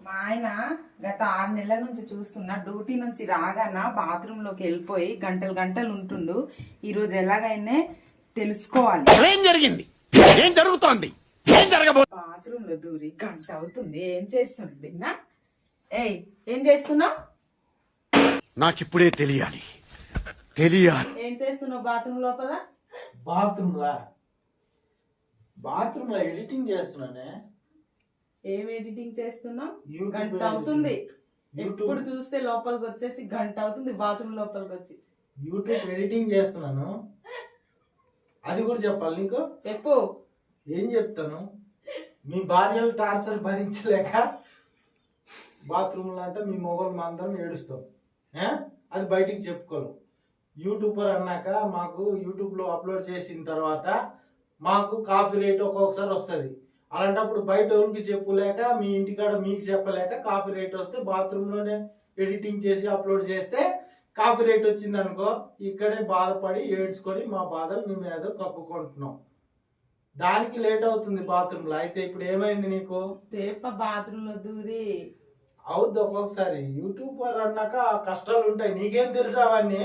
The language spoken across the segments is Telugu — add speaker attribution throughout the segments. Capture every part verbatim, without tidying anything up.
Speaker 1: మా ఆయన గత ఆరు నెలల నుంచి చూస్తున్నా డ్యూటీ నుంచి రాగాన బాత్రూమ్ లోకి వెళ్ళిపోయి గంటలు గంటలు ఉంటుండు. ఈ రోజు ఎలాగైనా తెలుసుకోవాలి
Speaker 2: ఏం జరిగింది, ఏం జరుగుతోంది, ఏం జరగబో.
Speaker 1: బాత్రూమ్ లో దూరి గంట అవుతుంది. ఏం చేస్తుంది నా? ఏయ్, ఏం చేస్తున్నావు?
Speaker 2: నాకిప్పుడే తెలియాలి తెలియాలి
Speaker 1: ఏం చేస్తున్నావు బాత్రూమ్ లోపల?
Speaker 3: బాత్రూమ్ లా బాత్రూమ్ లో ఎడిటింగ్ చేస్తున్నానే.
Speaker 1: ఏం ఎడిటింగ్ చేస్తున్నావు?
Speaker 3: యూట్యూబ్
Speaker 1: గంట అవుతుంది.
Speaker 3: యూట్యూబ్
Speaker 1: ఎప్పుడు చూస్తే లోపలికి వచ్చేసి గంట అవుతుంది బాత్రూమ్ లోపలికి వచ్చి.
Speaker 3: యూట్యూబ్ ఎడిటింగ్ చేస్తున్నాను. అది కూడా చెప్పాలి నీకు?
Speaker 1: చెప్పు.
Speaker 3: ఏం చెప్తాను? మీ భార్యలు టార్చర్ భరించలేక బాత్రూమ్లో అంటే మీ మొగలు అందరం ఏడుస్తాం. ఏ? అది బయటికి చెప్పుకోరు. యూట్యూబర్ అన్నాక మాకు యూట్యూబ్లో అప్లోడ్ చేసిన తర్వాత మాకు కాఫీ రేట్ ఒక్కొక్కసారి వస్తుంది. అలాంటప్పుడు బయట వాళ్ళకి చెప్పులేక మీ ఇంటికాడ మీకు చెప్పలేక కాఫీ రేట్ వస్తే బాత్రూంలోనే ఎడిటింగ్ చేసి అప్లోడ్ చేస్తే కాఫీ రేట్ వచ్చింది అనుకో, ఇక్కడే బాధపడి ఏడ్చుకొని మా బాధలు మేము ఏదో కక్కుకుంటున్నాం. దానికి లేట్ అవుతుంది బాత్రూంలో. అయితే ఇప్పుడు ఏమైంది నీకు?
Speaker 1: సేప బాత్రూమ్ లో దూరి
Speaker 3: అవుద్ది ఒక్కొక్కసారి. యూట్యూబర్ అన్నాక కష్టాలు ఉంటాయి. నీకేం తెలుసు అవన్నీ?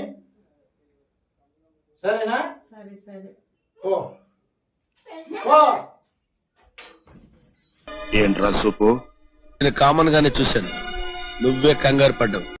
Speaker 3: సరేనా?
Speaker 1: సరే సరే
Speaker 3: ఓ ఓ
Speaker 2: ఏంట్రా సూపు? నేను కామన్ గానే చూశాను, నువ్వే కంగారు పడ్డావు.